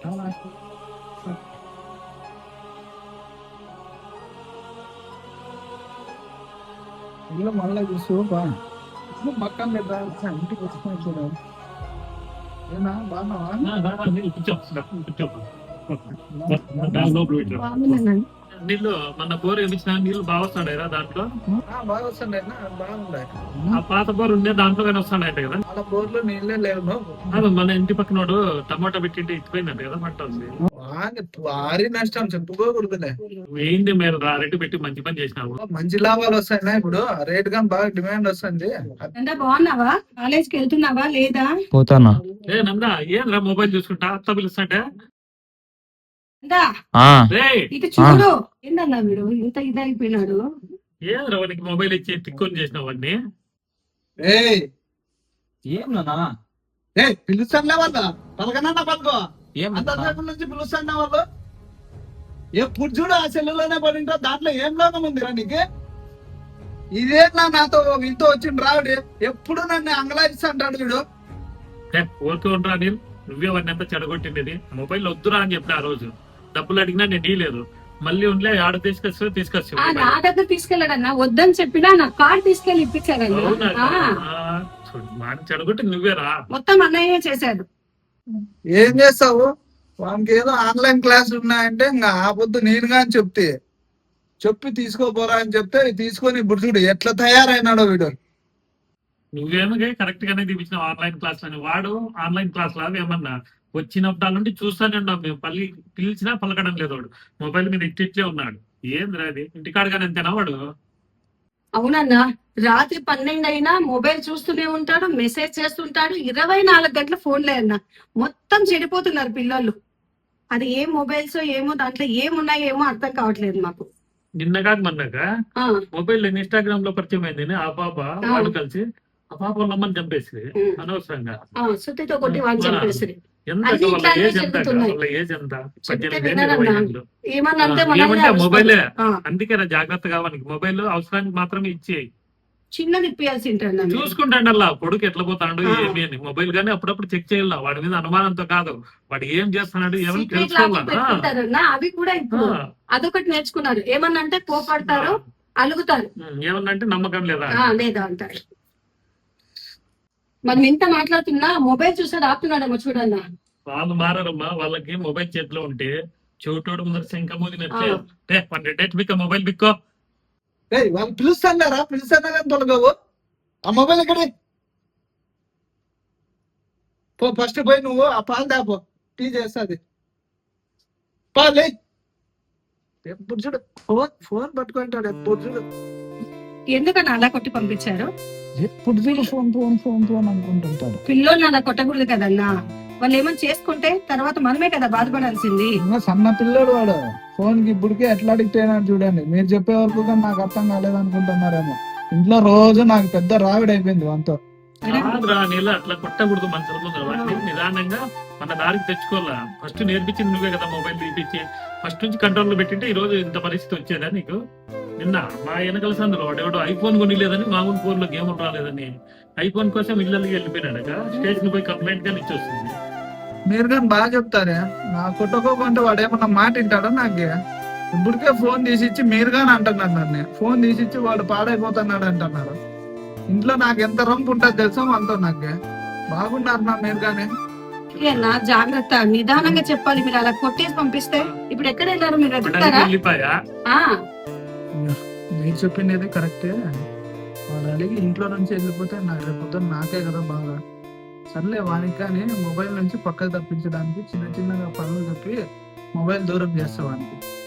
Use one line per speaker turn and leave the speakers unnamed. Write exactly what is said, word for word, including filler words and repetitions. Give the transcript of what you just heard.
ఇల్లు మళ్ళీ చూసుకోపా పక్కన లేదా ఇంటికి వచ్చిన చూడాలి. ఏనా బాగున్నావా?
నీళ్ళు మన బోర్ వేయించిన నీళ్ళు బాగా వస్తాయి దాంట్లో.
బాగా వస్తుండే బాగుండే.
ఆ పాత బోర్ ఉండే దాంట్లో కానీ వస్తాయంట కదా.
వాళ్ళ బోర్లో నీళ్ళే లేవు.
అది మన ఇంటి పక్కనోడు టమాటా పెట్టింటే ఇచ్చిపోయిందంట కదా పంట వస్తుంది.
భారీ నష్టం చెప్పుకోకూడదులే.
ఏంటి మీరు రేటు పెట్టి మంచి పని చేసినావు.
మంచి లాభాలు వస్తాయి ఇప్పుడు. రేట్ కానీ బాగా డిమాండ్ వస్తుంది.
అంటే బాగున్నావా? కాలేజ్కి వెళ్తున్నావా లేదా?
పోతానా.
ఏ నందా ఏంద్రా మొబైల్ చూసుకుంటా అత్త పిలుస్తాంటే
ఇటు చూడు. ఏందన్నా మీరు ఇంత ఇదైపోయినాడు?
ఏంద్రా వానికి మొబైల్ ఇచ్చి తిక్కొని చేసినావు వాడిని.
ఏమన్నా
ఏ పిలుస్తానులే వాళ్ళ పలకనన్నా పలుకో. అంతసేపు నుంచి పిలుస్తాను వాళ్ళు. ఎప్పుడు చూడు ఆ సెల్లులోనే పడింటో. దాంట్లో ఏం లోకం ఉందిరా నీకు? ఇదేనా నాతో ఇంతో వచ్చిండు రావుడు. ఎప్పుడు నన్ను అంగలాయిస్తాంటాడు వీడు.
ఊరుతూ ఉండరా నీళ్ళు. నువ్వే వాడిని ఎంత చెడగొట్టిండేది. మొబైల్ వద్దురా అని చెప్పిన ఆ రోజు. డబ్బులు అడిగినా నేను ఇలేదు. మళ్ళీ ఉండే ఆడ తీసుకొచ్చి తీసుకొచ్చి
నా దగ్గర తీసుకెళ్ళాడన్నా. వద్దని చెప్పినా నా కార్డు తీసుకెళ్ళి ఇప్పించాడన్నా.
చెడగొట్టి నువ్వేరా
మొత్తం అన్నయ్య చేశాడు.
ఏం చేస్తావు? వానికి ఏదో ఆన్లైన్ క్లాస్ ఉన్నాయంటే ఇంకా ఆ పొద్దు నేను కానీ చెప్తే చెప్పి తీసుకోపోరా అని చెప్తే తీసుకొని ఇప్పుడు చూడు ఎట్లా తయారైనాడో వీడు.
నువ్వేమో కరెక్ట్ గానే తీపించిన ఆన్లైన్ క్లాస్ అని. వాడు ఆన్లైన్ క్లాస్ లాగా ఏమన్నా వచ్చినప్పుడు నుండి చూస్తానే ఉన్నాం మేము. పల్లి పిలిచినా పలకడం లేదు వాడు. మొబైల్ మీద ఇట్టిట్లే ఉన్నాడు. ఏంద్రా అది? ఇంటికాడగానే అంతేనా వాడు?
అవునన్నా. రాత్రి పన్నెండు అయినా మొబైల్ చూస్తూనే ఉంటాడు, మెసేజ్ చేస్తుంటాడు. ఇరవై నాలుగు గంటల ఫోన్లే అన్నా. మొత్తం చెడిపోతున్నారు పిల్లలు. అది ఏ మొబైల్స్ ఏమో దాంట్లో ఏమున్నాయో ఏమో అర్థం కావట్లేదు మాకు.
నిన్నగా మొన్నక మొబైల్ ఇన్స్టాగ్రామ్ లో పరిచయం అయింది ఆ పాప. వాళ్ళు కలిసి ఆ పాప వాళ్ళమ్మని చంపేసి అనవసరంగా
సుత్తితో కొట్టి వాళ్ళు చంపేసి.
మొబైలే అందుకే జాగ్రత్తగా వానికి మొబైల్ అవసరానికి మాత్రమే ఇచ్చేయి.
చిన్నది ఇప్పియాల్సి
చూసుకుంటాండి అలా కొడుకు ఎట్లా పోతాడు ఏమి అని. మొబైల్ గానీ అప్పుడప్పుడు చెక్ చేయాల. వాడి మీద అనుమానంతో కాదు, వాడు ఏం చేస్తున్నాడు ఏమని తెలుసుకోవాలి.
అవి కూడా ఇప్పుడు అదొకటి నేర్చుకున్నారు. ఏమన్నా అంటే కోపడతారు, అలుగుతారు.
ఏమన్నా అంటే నమ్మకం లేదా
లేదా అంటారు. మనం ఎంత మాట్లాడుతున్నా మొబైల్ చూసాడు ఆపుతున్నాడేమో చూడన్నా.
వాళ్ళు మారమ్మా. వాళ్ళకి మొబైల్ చేతిలో ఉంటే చెవిటోడు ముందర శంఖ మోదినట్టే మొబైల్ బిక్కో.
వాళ్ళు పిలుస్తారా? పిలుస్తానా కానీ తొలగవు. ఆ మొబైల్ ఎక్కడే పో. ఫస్ట్ పోయి నువ్వు ఆ పాలు దాపో. టీ చేస్తుంది పాలే. ఎప్పుడు చూడు ఫోన్ ఫోన్ పట్టుకుంటాడు. ఎప్పుడు చూడు.
ఎందుకన్నా అలా కొట్టి పంపించారు?
ఎప్పుడు చూడు ఫోన్ ఫోన్ ఫోన్ ఫోన్ అనుకుంటుంటాడు.
పిల్లోని అలా కొట్టకూడదు కదన్నా. వాళ్ళు ఏమని చేసుకుంటే తర్వాత మనమే కదా బాధపడాల్సింది.
సన్న పిల్లడు వాడు. ఫోన్ కి ఇప్పటికే ఎట్లా అడిక్ట్ అయినాడు చూడండి. మీరు చెప్పే వరకు నాకు అర్థం కాలేదు అనుకుంటున్నారేమో. ఇంట్లో రోజు నాకు పెద్ద రావిడి అయిపోయింది వాంతో.
నీళ్ళు అట్లా కొట్టకూడదు. మనుషుల ముందు నిదానంగా మన దారికి తెచ్చుకోవాలా. ఫస్ట్ నేర్పించింది నువ్వే కదా మొబైల్ తీపిచ్చి. ఫస్ట్ నుంచి కంట్రోల్ లో పెట్టింటే ఈ రోజు ఇంత పరిస్థితి వచ్చేదా నీకు? నిన్న మా వెనకల సందులో వాడేవాడు ఐఫోన్ కొనిలేదని, మామూలు ఫోన్ లో గేమ్ రాలేదని ఐఫోన్ కోసం ఇళ్ళకి వెళ్ళిపోయినాడక. స్టేషన్ పోయి కంప్లైంట్ గానీ ఇచ్చొస్తుంది.
మీరు కానీ బాగా చెప్తారే. నా కొట్టుకోకుంటే వాడు ఏమన్నా మాట వింటాడో నాకు. ఇప్పటికే ఫోన్ తీసిచ్చి మీరు కానీ అంటున్నారు నన్ను. ఫోన్ తీసిచ్చి వాడు పాడైపోతున్నాడు అంటున్నారు. ఇంట్లో నాకు ఎంత రంపు ఉంటుంది తెలుసా అంతా. నాకు బాగున్నారు నా మీరు కానీ.
జాగ్రత్త, నిదానంగా చెప్పాలి. మీరు అలా కొట్టేసి పంపిస్తే ఇప్పుడు ఎక్కడ వెళ్ళారు మీరు?
మీరు చెప్పింది కరెక్టే. వాడు అడిగి ఇంట్లో నుంచి వెళ్ళిపోతే నాకు రేపు నాకే కదా బాగా. సర్లే వానికి కానీ మొబైల్ నుంచి పక్కకు తప్పించడానికి చిన్న చిన్నగా పనులు చెప్పి మొబైల్ దూరం చేస్తా వానికి.